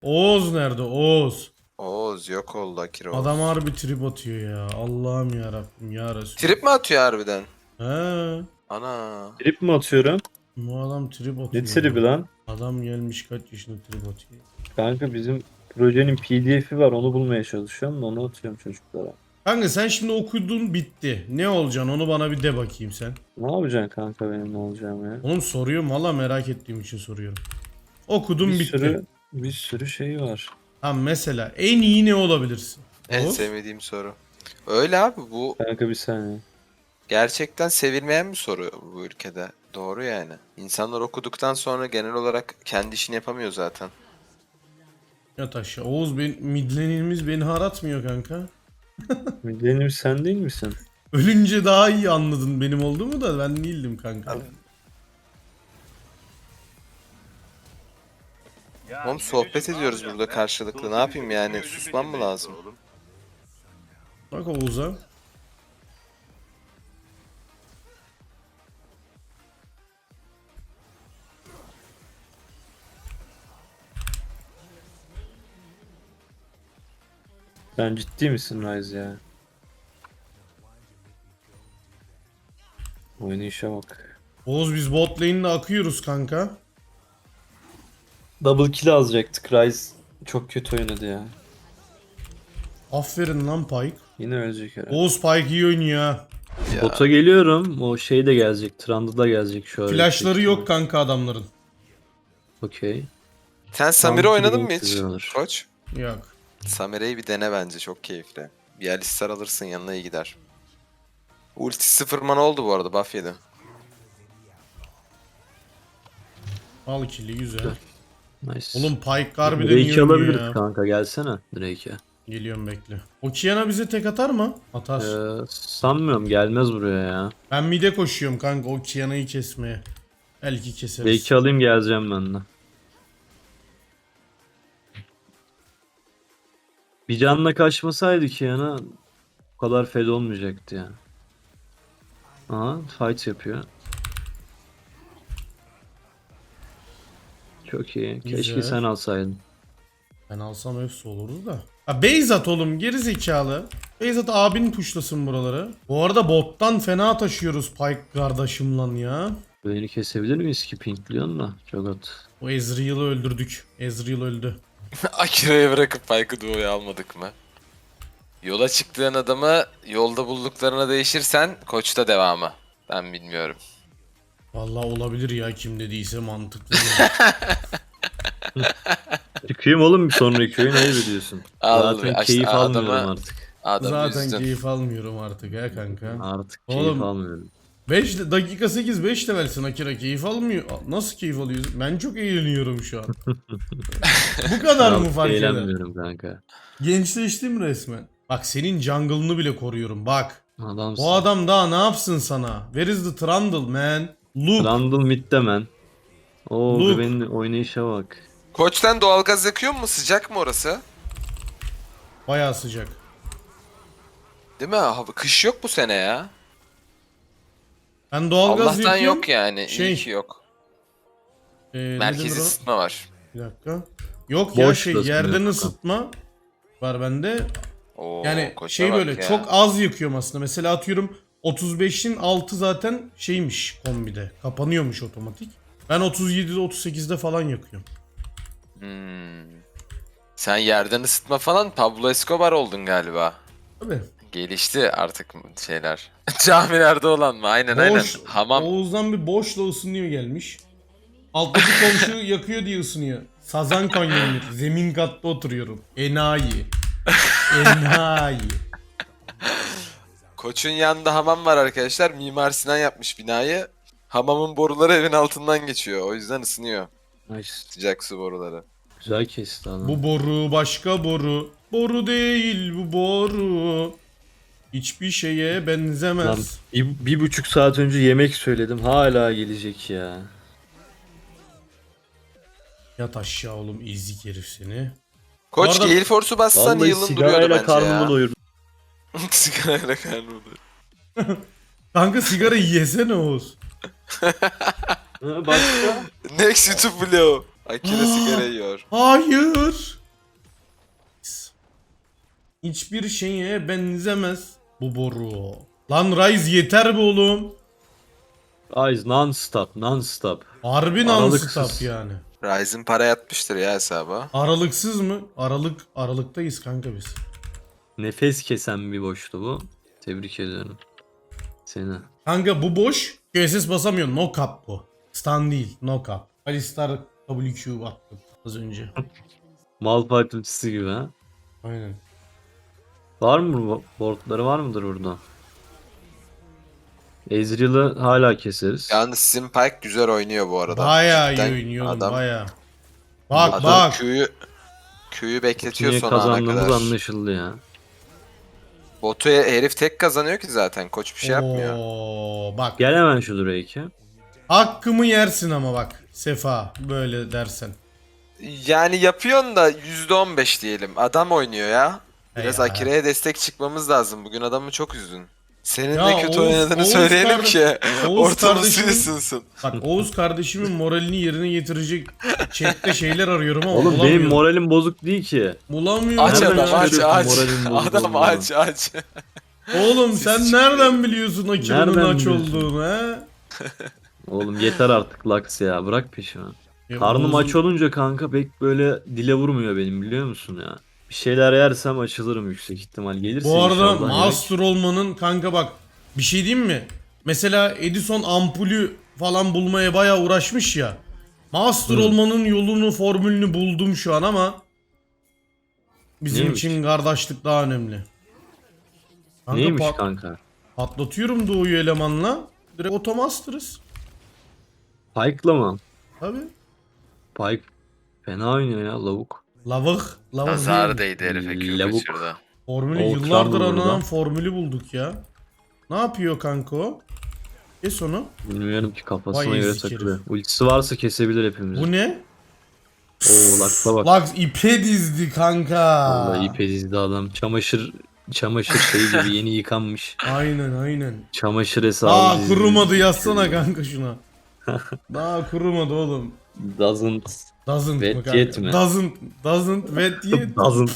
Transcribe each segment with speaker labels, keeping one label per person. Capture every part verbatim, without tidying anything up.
Speaker 1: Oğuz nerede? Oğuz.
Speaker 2: Oğuz yok oldu Akira Oğuz.
Speaker 1: Adam harbi trip atıyor ya. Allah'ım ya Rabbim ya Resul.
Speaker 2: Trip mi atıyor harbiden?
Speaker 1: He.
Speaker 2: Ana.
Speaker 3: Trip mi atıyorum?
Speaker 1: Bu adam trip atıyor.
Speaker 3: Ne tribi
Speaker 1: ya.
Speaker 3: lan?
Speaker 1: Adam gelmiş kaç yaşında trip atıyor.
Speaker 3: Kanka bizim projenin P D F'i var, onu bulmaya çalışıyorum da onu atıyorum çocuklara.
Speaker 1: Kanka sen şimdi okudun bitti. Ne olacaksın onu bana bir de bakayım sen.
Speaker 3: Ne yapacaksın kanka benim ne olacağım ya?
Speaker 1: Oğlum soruyorum valla merak ettiğim için soruyorum. Okudum
Speaker 3: Bir
Speaker 1: bitti.
Speaker 3: sürü bir sürü şey var.
Speaker 1: Ha mesela en iyi ne olabilirsin?
Speaker 2: En
Speaker 1: Oğuz?
Speaker 2: sevmediğim soru. Öyle abi, bu
Speaker 3: Kanka bir saniye.
Speaker 2: gerçekten sevilmeyen bir soru bu ülkede. Doğru yani. İnsanlar okuduktan sonra genel olarak kendi işini yapamıyor zaten.
Speaker 1: Yat aşağı. Oğuz ben, midlenimiz beni haratmıyor kanka.
Speaker 3: Benim sen değil misin?
Speaker 1: Ölünce daha iyi anladın benim olduğumu da ben değildim kanka.
Speaker 2: Oğlum sohbet ediyoruz burada karşılıklı. Ne yapayım yani? Susmam mı lazım?
Speaker 1: Bak Oğuz'a.
Speaker 3: Sen ciddi misin Rise ya? Oynayışa bak.
Speaker 1: Oğuz biz bot lane'le akıyoruz kanka.
Speaker 3: Double kill alacaktık. Rise çok kötü oynadı ya.
Speaker 1: Aferin lan Pyke.
Speaker 3: Yine ölecek herhalde.
Speaker 1: Oğuz Pyke iyi oynuyor ha.
Speaker 2: Ya.
Speaker 3: Bota geliyorum. O şey de gelecek. Trundle da gelecek şu an.
Speaker 1: Flashları yok kanka adamların.
Speaker 3: Okey.
Speaker 2: Sen Samira
Speaker 3: Tam
Speaker 2: oynadın mı
Speaker 3: Blink
Speaker 2: hiç?
Speaker 3: güzel olur.
Speaker 2: Koç.
Speaker 1: Yok.
Speaker 2: Samira'yı bir dene bence, çok keyifli. Bir Alistar alırsın, yanına iyi gider. Ulti sıfır mana oldu bu arada, buff yedi.
Speaker 1: Al kili güzel.
Speaker 3: Nice.
Speaker 1: Oğlum Pyke harbiden iyi
Speaker 3: Drake'i
Speaker 1: oynuyor
Speaker 3: alabiliriz
Speaker 1: ya.
Speaker 3: kanka, gelsene Drake'e.
Speaker 1: Geliyorum bekle. O Kiana bize tek atar mı? Atar.
Speaker 3: Ee, sanmıyorum, gelmez buraya ya.
Speaker 1: Ben mide koşuyorum kanka o Kiana'yı kesmeye. Belki keseriz.
Speaker 3: Drake'i alayım, geleceğim ben de. Bir canla kaçmasaydı ki yana bu kadar fed olmayacaktı ya. Aha, fight yapıyor. Çok iyi. Keşke
Speaker 1: Güzel.
Speaker 3: sen alsaydın.
Speaker 1: Ben alsam hepsi olurdu da. Ha Beyzat oğlum geri zekalı. Beyzat abin tuşlasın buraları. Bu arada bottan fena taşıyoruz Pyke kardeşimle ya.
Speaker 3: Beni kesebilir miyiz ki pinkliyorsun da? Çok at.
Speaker 1: O Ezreal'ı öldürdük. Ezreal öldü.
Speaker 2: Akira'ya bırakıp Pyke'ı Duo'ya almadık mı? Yola çıktığın adamı yolda bulduklarına değişirsen Koç'ta devamı. Ben bilmiyorum.
Speaker 1: Vallahi olabilir ya kim dediyse mantıklı.
Speaker 3: Çıkayım oğlum bir sonraki oyun, ayıp ediyorsun.
Speaker 2: Al,
Speaker 3: Zaten
Speaker 2: işte
Speaker 3: keyif
Speaker 2: adamı-
Speaker 3: almıyorum artık.
Speaker 2: Adamı
Speaker 1: Zaten
Speaker 2: üzdün.
Speaker 1: keyif almıyorum artık ha kanka.
Speaker 3: Artık
Speaker 1: Oğlum.
Speaker 3: keyif almıyorum.
Speaker 1: beş dakika sekiz beş levelsin Akira keyif almıyor. Nasıl keyif alıyorsun? Ben çok eğleniyorum şu an. Bu kadar mı
Speaker 3: Artık
Speaker 1: fark eder?
Speaker 3: eğlenmiyorum kanka.
Speaker 1: Gençleştim resmen. Bak senin jungle'ını bile koruyorum bak.
Speaker 3: Adamsın.
Speaker 1: Bu adam daha ne yapsın sana? Where is the Trundle man? Look.
Speaker 3: Randall midde man. Oo,
Speaker 1: Luke.
Speaker 3: benim oynayışa bak.
Speaker 2: Koç'tan doğalgaz yakıyor mu? Sıcak mı orası?
Speaker 1: Bayağı sıcak.
Speaker 2: Değil mi? Hava- Kış yok bu sene ya.
Speaker 1: Ben doğalgaz
Speaker 2: Allah'tan
Speaker 1: yakıyorum.
Speaker 2: yok yani.
Speaker 1: Şey,
Speaker 2: İyi ki yok.
Speaker 1: e, ne denir
Speaker 2: Merkezi
Speaker 1: o?
Speaker 2: ısıtma var.
Speaker 1: Bir dakika. Yok ya
Speaker 3: Boş
Speaker 1: şey
Speaker 3: da ısınıyor
Speaker 1: yerden
Speaker 3: kanka.
Speaker 1: ısıtma var bende.
Speaker 2: Oo,
Speaker 1: Yani
Speaker 2: Koç'a
Speaker 1: şey
Speaker 2: bak
Speaker 1: böyle
Speaker 2: ya.
Speaker 1: çok az yakıyorum aslında. Mesela atıyorum otuz beşin altı zaten şeymiş kombide. Kapanıyormuş otomatik. Ben otuz yedide otuz sekizde falan yakıyorum.
Speaker 2: Hmm. Sen yerden ısıtma falan Pablo Escobar oldun galiba.
Speaker 1: Tabii.
Speaker 2: Gelişti artık şeyler. Camilerde olan mı? Aynen aynen.
Speaker 1: Boş,
Speaker 2: Hamam.
Speaker 1: Oğuz'dan bir boşla ısınıyor gelmiş. Alttaki komşu yakıyor diye ısınıyor. Sazan kanyonu. Zemin katta oturuyorum. Enayi. Enayi.
Speaker 2: Koç'un yanında hamam var arkadaşlar. Mimar Sinan yapmış binayı. Hamamın boruları evin altından geçiyor. O yüzden ısınıyor.
Speaker 3: Nice.
Speaker 2: Sıcak su boruları.
Speaker 3: Güzel kesti adam.
Speaker 1: Bu boru başka boru. Boru değil bu boru. Hiçbir şeye
Speaker 3: Lan,
Speaker 1: benzemez.
Speaker 3: bir, bir buçuk saat önce yemek söyledim. Hala gelecek ya.
Speaker 1: Yat aşağı oğlum ezik herif seni.
Speaker 2: Koç
Speaker 1: Bu arada-
Speaker 2: Gale Force'u bassan
Speaker 3: Vallahi
Speaker 2: yılın duruyordu
Speaker 3: sigarayla
Speaker 2: bence
Speaker 3: karnımı
Speaker 2: ya.
Speaker 3: doyurdum.
Speaker 2: Sigarayla karnımı doyurdum.
Speaker 1: Kanka sigara yesene Oğuz.
Speaker 3: Ha, başka?
Speaker 2: Next YouTube vlog. Akira sigara yiyor.
Speaker 1: Hayır. Hiçbir şeye benzemez bu boru. Lan Ryze yeter be oğlum.
Speaker 3: Eyes non stop non stop.
Speaker 1: Harbi
Speaker 3: Aralıksız.
Speaker 1: non-stop yani.
Speaker 2: Ryzen para yatmıştır ya hesaba.
Speaker 1: Aralıksız mı? Aralık aralıktayız kanka biz.
Speaker 3: Nefes kesen bir boştu bu. Tebrik ediyorum. Seni.
Speaker 1: Kanka bu boş. Q S S basamıyor. No cap bu. Stun değil. No cap. Alistar W Q attım az önce.
Speaker 3: Malphite ultisi gibi ha.
Speaker 1: Aynen.
Speaker 3: Var mı bu- boardları var mıdır burada? Ezreal'ı hala keseriz.
Speaker 2: Yalnız sizin Pyke güzel oynuyor bu arada.
Speaker 1: Bayağı iyi
Speaker 2: Cidden
Speaker 1: oynuyorum
Speaker 2: adam,
Speaker 1: bayağı. Bak
Speaker 2: adam
Speaker 1: bak.
Speaker 2: Q'yu Q'yu bekletiyor
Speaker 3: Niye
Speaker 2: son ana
Speaker 3: kazandığımız
Speaker 2: kadar.
Speaker 3: anlaşıldı ya.
Speaker 2: Botu herif tek kazanıyor ki zaten. Koç bir şey yapmıyor.
Speaker 1: Oo, bak.
Speaker 3: Gel hemen şu Drake'e.
Speaker 1: Hakkımı yersin ama bak. Sefa böyle dersen.
Speaker 2: Yani yapıyorsun da yüzde on beş diyelim. Adam oynuyor ya. Biraz
Speaker 1: Ya.
Speaker 2: Akira'ya destek çıkmamız lazım. Bugün adamı çok üzdün. Senin
Speaker 1: Ya
Speaker 2: de kötü
Speaker 1: Oğuz-
Speaker 2: oynadığını
Speaker 1: Oğuz
Speaker 2: söyleyelim
Speaker 1: kardeş-
Speaker 2: ki
Speaker 1: Oğuz
Speaker 2: ortamı
Speaker 1: kardeşimin-
Speaker 2: ısınsın.
Speaker 1: Bak Oğuz kardeşimin moralini yerine getirecek chatte şeyler arıyorum ama
Speaker 3: Oğlum
Speaker 1: bulamıyorum.
Speaker 3: benim moralim bozuk değil ki.
Speaker 1: Bulamıyorum.
Speaker 2: Aç
Speaker 3: Nereden
Speaker 2: adam aç
Speaker 3: çıkarıyorsun
Speaker 2: aç.
Speaker 3: moralin bozuk
Speaker 2: Adam
Speaker 3: olduğunu?
Speaker 2: aç aç.
Speaker 1: Oğlum
Speaker 2: Siz
Speaker 1: sen
Speaker 2: çıkıyor.
Speaker 1: nereden biliyorsun Akira'nın
Speaker 3: Nereden
Speaker 1: aç
Speaker 3: biliyorsun?
Speaker 1: olduğunu he?
Speaker 3: Oğlum yeter artık Lux ya, bırak peşimi.
Speaker 1: Ya
Speaker 3: Karnım
Speaker 1: Oğuz'un-
Speaker 3: aç olunca kanka pek böyle dile vurmuyor benim, biliyor musun ya. Bir şeyler yersem açılırım yüksek ihtimal. Gelirse
Speaker 1: Bu arada
Speaker 3: inşallah yemek.
Speaker 1: master olmanın kanka bak bir şey diyeyim mi? Mesela Edison ampulü falan bulmaya bayağı uğraşmış ya. Master
Speaker 3: Hı.
Speaker 1: olmanın yolunu, formülünü buldum şu an ama bizim
Speaker 3: Neymiş?
Speaker 1: için kardeşlik daha önemli. Kanka
Speaker 3: Neymiş
Speaker 1: pat-
Speaker 3: kanka?
Speaker 1: patlatıyorum Doğu'yu elemanla. Direkt otomaster'ız.
Speaker 3: Pike'la mı?
Speaker 1: Tabi.
Speaker 3: Pike fena oynuyor ya lavuk.
Speaker 1: Lavık. Lavık
Speaker 2: Nazar
Speaker 1: değil.
Speaker 2: değdi herife Q
Speaker 3: Lavuk.
Speaker 2: kaçırdı.
Speaker 1: Formülü
Speaker 3: O
Speaker 1: yıllardır
Speaker 3: kral burada.
Speaker 1: aranan formülü bulduk ya. Ne yapıyor kanka o? Kes onu.
Speaker 3: Bilmiyorum ki, kafasına
Speaker 1: Vay
Speaker 3: göre
Speaker 1: ezik
Speaker 3: takılıyor.
Speaker 1: herif.
Speaker 3: Ultisi varsa kesebilir hepimizi.
Speaker 1: Bu ne?
Speaker 3: Oo Lux'a bak.
Speaker 1: Lux ipe dizdi kanka.
Speaker 3: Vallahi ipe dizdi adam. Çamaşır çamaşır şeyi gibi yeni yıkanmış.
Speaker 1: Aynen aynen.
Speaker 3: Çamaşır hesabı
Speaker 1: Daha
Speaker 3: dizdi.
Speaker 1: kurumadı yazsana kanka şuna. Daha kurumadı oğlum.
Speaker 3: Doesn't.
Speaker 1: Doesn't
Speaker 3: Wet
Speaker 1: mı kanka?
Speaker 3: yet mi?
Speaker 1: Doesn't. Doesn't wet yet.
Speaker 3: Doesn't.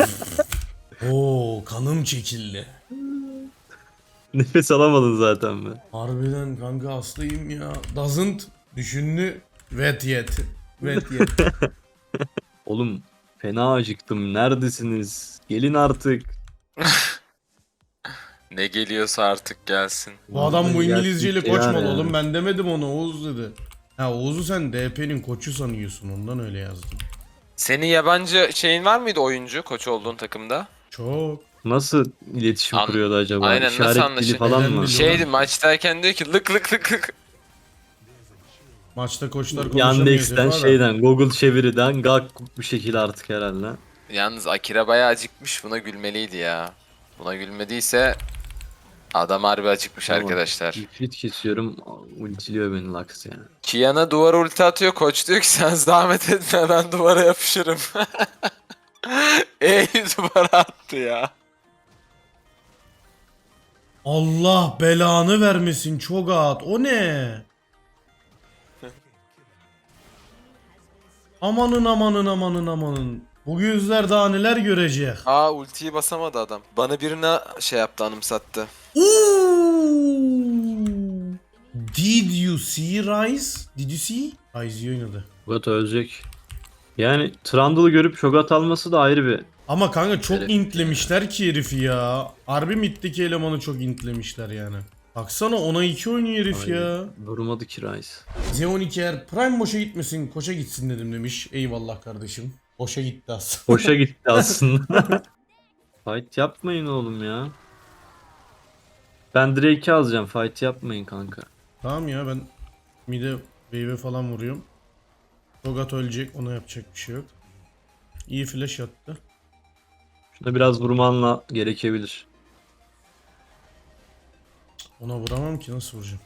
Speaker 1: Oo kanım çekildi.
Speaker 3: Nefes alamadın zaten be.
Speaker 1: Harbiden kanka hastayım ya. Doesn't düşündü. Wet yet. Wet yet.
Speaker 3: Oğlum fena acıktım. Neredesiniz? Gelin artık.
Speaker 2: Ne geliyorsa artık gelsin.
Speaker 1: Bu adam bu
Speaker 3: Vallahi
Speaker 1: İngilizceyle
Speaker 3: gerçekten
Speaker 1: koç mu
Speaker 3: yani.
Speaker 1: oğlum? Ben demedim ona, Oğuz dedi. Ha Oğuz'u sen D P'nin koçu sanıyorsun, ondan öyle yazdım.
Speaker 2: Senin yabancı şeyin var mıydı oyuncu koç olduğun takımda?
Speaker 1: Çok.
Speaker 3: Nasıl iletişim
Speaker 2: An-
Speaker 3: kuruyordu acaba?
Speaker 2: Aynen, nasıl
Speaker 3: İşaret dili
Speaker 2: anlaşılıyor?
Speaker 3: falan
Speaker 1: Neden
Speaker 3: mı?
Speaker 1: biliyor?
Speaker 2: Şeydi maçtayken diyor ki lık lık lık lık.
Speaker 1: Maçta koçlar konuşamıyor.
Speaker 3: Yandex'ten
Speaker 1: Sefa da.
Speaker 3: şeyden Google çeviriden gak bir şekilde artık herhalde.
Speaker 2: Yalnız Akira bayağı acıkmış, buna gülmeliydi ya. Buna gülmediyse adam harbi acıkmış
Speaker 3: Tamam.
Speaker 2: arkadaşlar.
Speaker 3: İfrit kesiyorum, ultiliyor beni Lux yani.
Speaker 2: Kiana duvara ulti atıyor, koç diyor ki sen zahmet etme ben duvara yapışırım. Ey duvara attı ya.
Speaker 1: Allah belanı vermesin çok at. O ne? Amanın amanın amanın amanın. Bu gözler daha neler görecek.
Speaker 2: Aa ultiyi basamadı adam. Bana birine şey yaptı, anımsattı.
Speaker 1: Ooh. Did you see Rise? Did you see? Rise iyi oynadı.
Speaker 3: Shogat ölecek. Yani Trundle'ı görüp Shogat alması da ayrı bir.
Speaker 1: Ama kanka çok
Speaker 2: Evet.
Speaker 1: intlemişler ki herifi ya. Harbi middeki elemanı çok intlemişler yani. Baksana ona iki oynuyor herif ya.
Speaker 3: Vurmadı ki Ryze.
Speaker 1: Z on iki eğer Prime boşa gitmesin, koça gitsin dedim demiş. Eyvallah kardeşim. Boşa gitti aslında.
Speaker 3: Boşa gitti aslında. Fight yapmayın oğlum ya. Ben Drake'i alacağım. Fight yapmayın kanka.
Speaker 1: Tamam ya, ben mid'e wave'e falan vuruyorum. Shogat ölecek, ona yapacak bir şey yok. İyi flash attı.
Speaker 3: Şuna biraz vurmanla gerekebilir.
Speaker 1: Ona vuramam ki, nasıl vuracağım?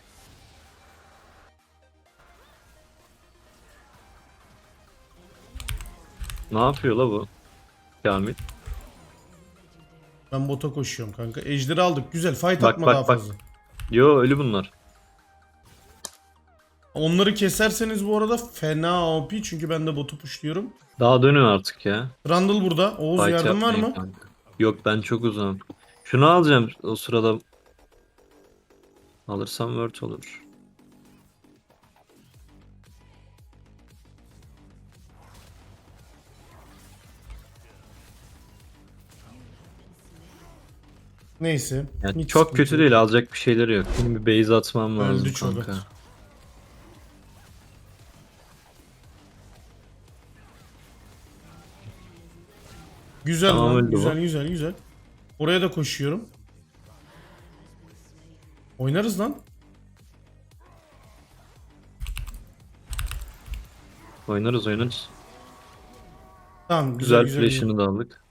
Speaker 3: Ne yapıyor la bu? Kamil.
Speaker 1: Ben bota koşuyorum kanka. Ejderi aldık. Güzel. Fight
Speaker 3: Bak,
Speaker 1: atma
Speaker 3: bak,
Speaker 1: daha
Speaker 3: bak.
Speaker 1: fazla.
Speaker 3: Yo ölü bunlar.
Speaker 1: Onları keserseniz bu arada fena O P çünkü ben de botu pushluyorum.
Speaker 3: Daha dönün artık ya.
Speaker 1: Randall burada. Oğuz
Speaker 3: Fight
Speaker 1: yardım var
Speaker 3: yapmayın
Speaker 1: mı?
Speaker 3: kanka. Yok ben çok uzağım. Şunu alacağım o sırada. Alırsam word olur.
Speaker 1: Neyse.
Speaker 3: Yani
Speaker 1: hiç
Speaker 3: çok
Speaker 1: sıkıntı
Speaker 3: kötü
Speaker 1: yok.
Speaker 3: değil, alacak bir şeyleri yok. Benim bir base atmam lazım
Speaker 1: Öldü çok
Speaker 3: kanka.
Speaker 1: at. Güzel
Speaker 3: Tamam,
Speaker 1: lan.
Speaker 3: öldü
Speaker 1: Güzel
Speaker 3: bu.
Speaker 1: güzel güzel. Oraya da koşuyorum. Oynarız lan.
Speaker 3: Oynarız oynarız.
Speaker 1: Tamam güzel
Speaker 3: Güzel,
Speaker 1: güzel. güzel.
Speaker 3: flash'ını da aldık.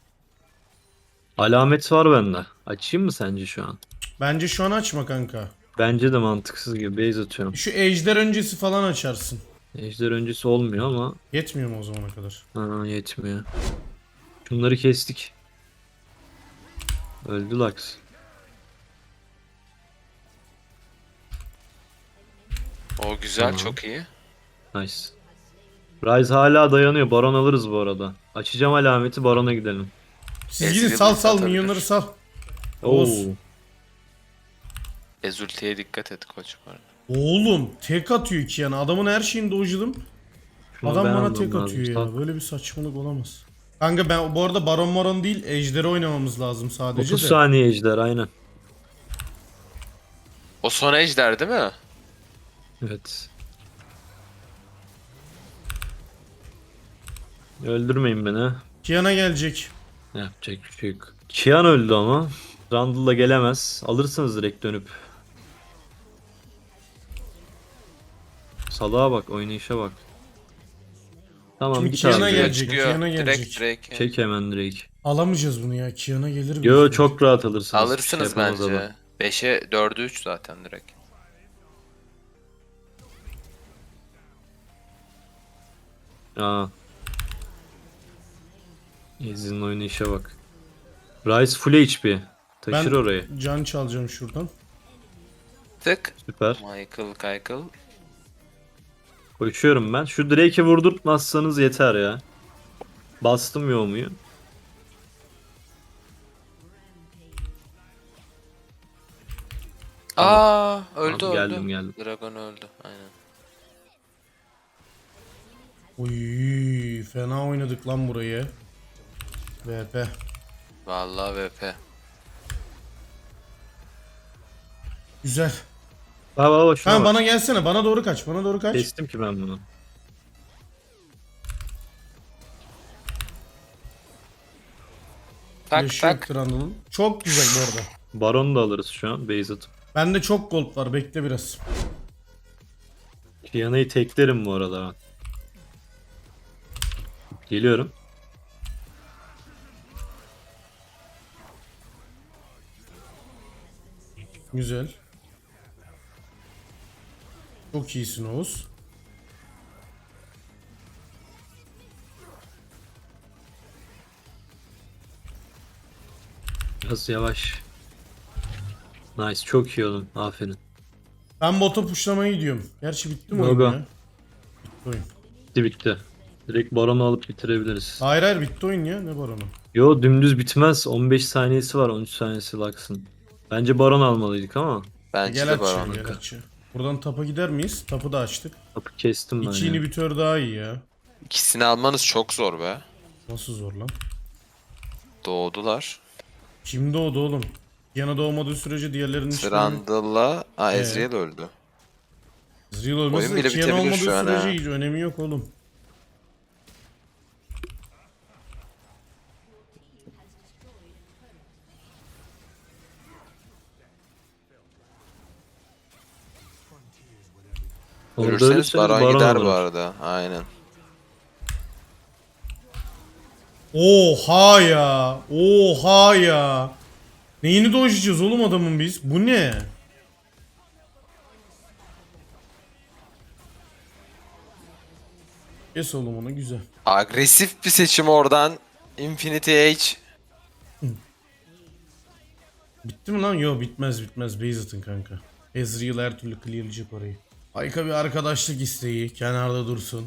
Speaker 3: Alamet var bende. Açayım mı sence şu an?
Speaker 1: Bence şu an açma kanka.
Speaker 3: Bence de mantıksız gibi base atıyorum.
Speaker 1: Şu ejder öncesi falan açarsın.
Speaker 3: Ejder öncesi olmuyor ama
Speaker 1: Yetmiyor mu o zamana kadar?
Speaker 3: ha, yetmiyor. Şunları kestik. Öldü Lux.
Speaker 2: O güzel,
Speaker 3: Tamam.
Speaker 2: çok iyi.
Speaker 3: Nice. Ryze hala dayanıyor. Baron alırız bu arada. Açacağım alameti, Baron'a gidelim.
Speaker 1: Siz
Speaker 2: Ezreal
Speaker 1: gidin sal sal
Speaker 2: atabilir.
Speaker 1: milyonları sal.
Speaker 3: Oo.
Speaker 1: Oğuz.
Speaker 2: Ezultiye dikkat et koç bu arada.
Speaker 1: Oğlum tek atıyor ki yani. Adamın her şeyini dojladım.
Speaker 3: Şunu
Speaker 1: Adam
Speaker 3: ben
Speaker 1: bana
Speaker 3: almam
Speaker 1: tek
Speaker 3: lazım.
Speaker 1: atıyor ya.
Speaker 3: Sal.
Speaker 1: Böyle bir saçmalık olamaz. Kanka ben bu arada Baron Maron değil Ejder'i oynamamız lazım sadece
Speaker 3: otuz
Speaker 1: de.
Speaker 3: saniye ejder aynen.
Speaker 2: O son ejder değil mi?
Speaker 3: Evet. Öldürmeyin beni.
Speaker 1: Kiana gelecek.
Speaker 3: Yapacak bir şey yok. Kian öldü ama. Randall'la gelemez. Alırsınız direkt dönüp. Salağa bak, oynayışa bak. Tamam,
Speaker 1: Şimdi
Speaker 3: git
Speaker 1: Kiana
Speaker 3: abi.
Speaker 2: Çıkıyor,
Speaker 1: gelecek,
Speaker 2: çıkıyor.
Speaker 1: Kiana gelecek.
Speaker 2: Direkt direkt.
Speaker 3: Çek hemen direkt.
Speaker 1: Alamayacağız bunu ya. Kiana gelir mi?
Speaker 3: Yo, çok rahat alırsınız. Bir şey
Speaker 2: Alırsınız
Speaker 3: yapamaz
Speaker 2: bence.
Speaker 3: adam.
Speaker 2: beşe dörde üç zaten direkt.
Speaker 3: Aa. Ezin oynayışa bak. Ryze full H P. Taşır
Speaker 1: Ben
Speaker 3: orayı.
Speaker 1: can çalacağım şuradan.
Speaker 2: Tık.
Speaker 3: Süper.
Speaker 2: Michael Kaykıl.
Speaker 3: Koşuyorum ben. Şu Drake'i vurdurtmazsanız yeter ya. Bastım yoğumuyu.
Speaker 2: Aa, öldü
Speaker 3: Tamam,
Speaker 2: öldü.
Speaker 3: geldim, geldim.
Speaker 2: Dragon öldü. Aynen.
Speaker 1: Uy, fena oynadık lan burayı. V P.
Speaker 2: Vallahi V P.
Speaker 1: Güzel.
Speaker 3: Bak bak bak, şuna
Speaker 1: Tamam
Speaker 3: bak.
Speaker 1: bana gelsene. Bana doğru kaç. Bana doğru kaç.
Speaker 3: Kestim ki ben bunu.
Speaker 2: Tak
Speaker 1: Flash
Speaker 2: tak.
Speaker 1: yoktur Anadolu'nun. Çok güzel bu arada.
Speaker 3: Baron da alırız şu an. Base atıp.
Speaker 1: Bende çok gold var. Bekle biraz.
Speaker 3: Kiana'yı teklerim bu arada ben. Geliyorum.
Speaker 1: Güzel. Çok iyisin Oğuz.
Speaker 3: Biraz yavaş. Nice, çok iyi oğlum. Aferin.
Speaker 1: Ben bota pushllamaya gidiyorum. Gerçi bitti mi oyun
Speaker 3: Gogo.
Speaker 1: ya? Bitti oyun.
Speaker 3: Bitti bitti. Direkt Baron'u alıp bitirebiliriz.
Speaker 1: Hayır hayır bitti oyun ya. Ne baronu?
Speaker 3: Yo, dümdüz bitmez. on beş saniyesi var, on üç saniyesi Lux'ın. Bence Baron almalıydık ama.
Speaker 2: Bence
Speaker 1: Gel
Speaker 2: de
Speaker 1: açıyor
Speaker 2: Baron.
Speaker 1: gel açıyor. Buradan tapa gider miyiz? Tapı da açtık.
Speaker 3: Kapı kestim ben
Speaker 1: İki
Speaker 3: ya.
Speaker 1: inhibitör daha iyi ya.
Speaker 2: İkisini almanız çok zor be.
Speaker 1: Nasıl zor lan?
Speaker 2: Doğdular.
Speaker 1: Kim doğdu oğlum? Yana doğmadığı sürece diğerlerinin hiçbiri...
Speaker 2: Trundle'la Aa,
Speaker 1: Ee?
Speaker 2: Ezreal öldü.
Speaker 1: Zreal ölmesi
Speaker 2: Oyun
Speaker 1: de
Speaker 2: bile
Speaker 1: Kiana
Speaker 2: bitebilir
Speaker 1: olmadığı
Speaker 2: şu an
Speaker 1: sürece
Speaker 2: ha.
Speaker 1: hiç önemi yok oğlum.
Speaker 3: Orada
Speaker 2: Ölürseniz
Speaker 3: ölürseniz
Speaker 2: Baron,
Speaker 3: Baron
Speaker 2: gider bu
Speaker 3: alırım.
Speaker 2: arada. Aynen.
Speaker 1: Oha ya. Oha ya. Neyini dojlayacağız oğlum adamın biz? Bu ne? Kes oğlum onu güzel.
Speaker 2: Agresif bir seçim oradan. Infinity H.
Speaker 1: Bitti mi lan? Yo bitmez bitmez. Base atın kanka. Ezreal her türlü clearlayacak orayı. Ayka bir arkadaşlık isteği. Kenarda dursun.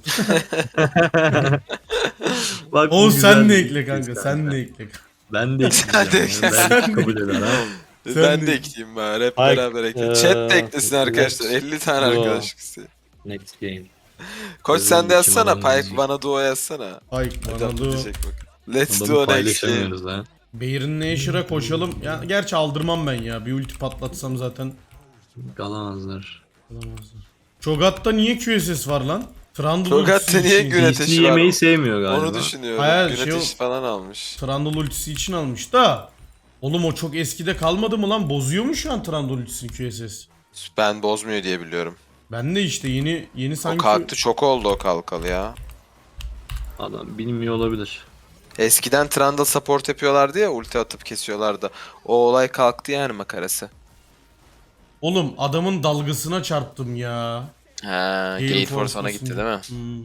Speaker 3: Bak, bu
Speaker 1: Oğuz
Speaker 3: güzel
Speaker 1: sen de
Speaker 3: bir
Speaker 1: ekle
Speaker 3: fikir
Speaker 1: kanka. Sen de ekle.
Speaker 3: Ben de
Speaker 2: Sen de
Speaker 3: ekleyeceğim.
Speaker 2: ekle.
Speaker 3: ya.
Speaker 1: Sen
Speaker 3: Belki
Speaker 1: de
Speaker 3: kabul eder ha.
Speaker 1: Sen
Speaker 2: ben
Speaker 1: de-
Speaker 2: de ekleyeyim bari. Hep
Speaker 3: Hayır,
Speaker 2: beraber ekle.
Speaker 3: eee,
Speaker 2: Chat de eklesin arkadaşlar.
Speaker 3: let's
Speaker 2: elli tane
Speaker 3: go.
Speaker 2: arkadaşlık isteği.
Speaker 3: Next game.
Speaker 2: Koç
Speaker 3: Özür
Speaker 2: sen de
Speaker 3: dilerim,
Speaker 2: yazsana.
Speaker 3: adam
Speaker 2: Pike
Speaker 3: yazıyor.
Speaker 2: bana duo yazsana.
Speaker 1: Ayk
Speaker 2: Hadi
Speaker 1: bana dur.
Speaker 2: diyecek bak. Let's
Speaker 3: Adamı
Speaker 2: do next game.
Speaker 3: paylaşamıyoruz ha.
Speaker 1: Bayern Nasher'a koşalım. Ya gerçi aldırmam ben ya. Bir ulti patlatsam zaten
Speaker 3: Kalamazlar.
Speaker 1: alamazlar. Cho'Gath'ta niye Q S S var lan? Trundle
Speaker 2: Cho'Gath'ta
Speaker 1: ultisi
Speaker 2: niye
Speaker 1: için.
Speaker 2: gün
Speaker 3: D
Speaker 2: ateşi
Speaker 3: C
Speaker 2: var.
Speaker 3: yemeği sevmiyor galiba.
Speaker 2: Onu düşünüyorum.
Speaker 1: Hayır,
Speaker 2: Gün
Speaker 1: şey
Speaker 2: ateşi
Speaker 1: o-
Speaker 2: falan almış.
Speaker 1: Trundle ultisi için almış da. Oğlum o çok eskide kalmadı mı lan? Bozuyor mu şu an Trundle ultisini Q S S?
Speaker 2: Ben bozmuyor diye biliyorum.
Speaker 1: Ben de işte yeni yeni
Speaker 2: O
Speaker 1: sanki...
Speaker 2: kalktı çok oldu o kalkalı ya.
Speaker 3: Adam bilmiyor olabilir.
Speaker 2: Eskiden Trundle support yapıyorlardı ya ulti atıp kesiyorlardı. O olay kalktı yani makarası.
Speaker 1: Oğlum adamın dalgasına çarptım ya.
Speaker 2: Ha, Gale Force ona gitti değil mi?
Speaker 1: Hmm.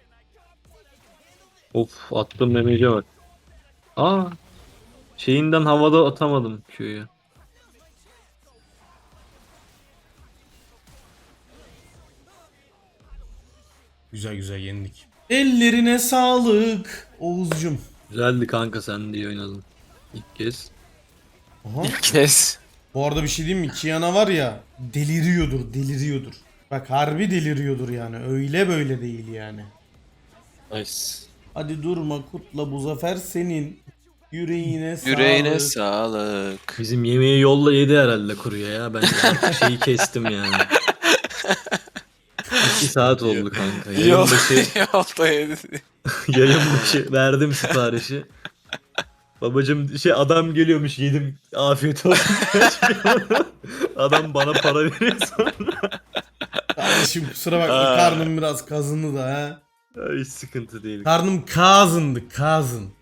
Speaker 3: Of, attığım damage'e bak. Aa. Şeyinden havada atamadım Q'yu.
Speaker 1: Güzel güzel yendik. Ellerine sağlık Oğuzcum.
Speaker 3: Güzeldi kanka, sen de iyi oynadın. İlk kez.
Speaker 1: Aha.
Speaker 2: Kes.
Speaker 1: Bu arada bir şey diyeyim mi? Kiana var ya deliriyordur deliriyordur. Bak harbi deliriyordur yani. Öyle böyle değil yani.
Speaker 3: Nice.
Speaker 1: Hadi durma kutla bu zafer senin. Yüreğine sağlık.
Speaker 2: Yüreğine sağlık.
Speaker 3: Bizim yemeği yolla yedi herhalde kuruya ya. Ben artık şeyi kestim yani. İki saat oldu kanka. Yayın
Speaker 2: Yol,
Speaker 3: başı,
Speaker 2: yolda yedi.
Speaker 3: yayın başı verdim siparişi. Babacım şey, adam geliyormuş, yedim, afiyet olsun. Adam bana para veriyor sonra.
Speaker 1: Kardeşim kusura bakma
Speaker 2: Aa.
Speaker 1: karnım biraz kazındı da ha.
Speaker 3: Hiç sıkıntı değil.
Speaker 1: Karnım kazındı kazın.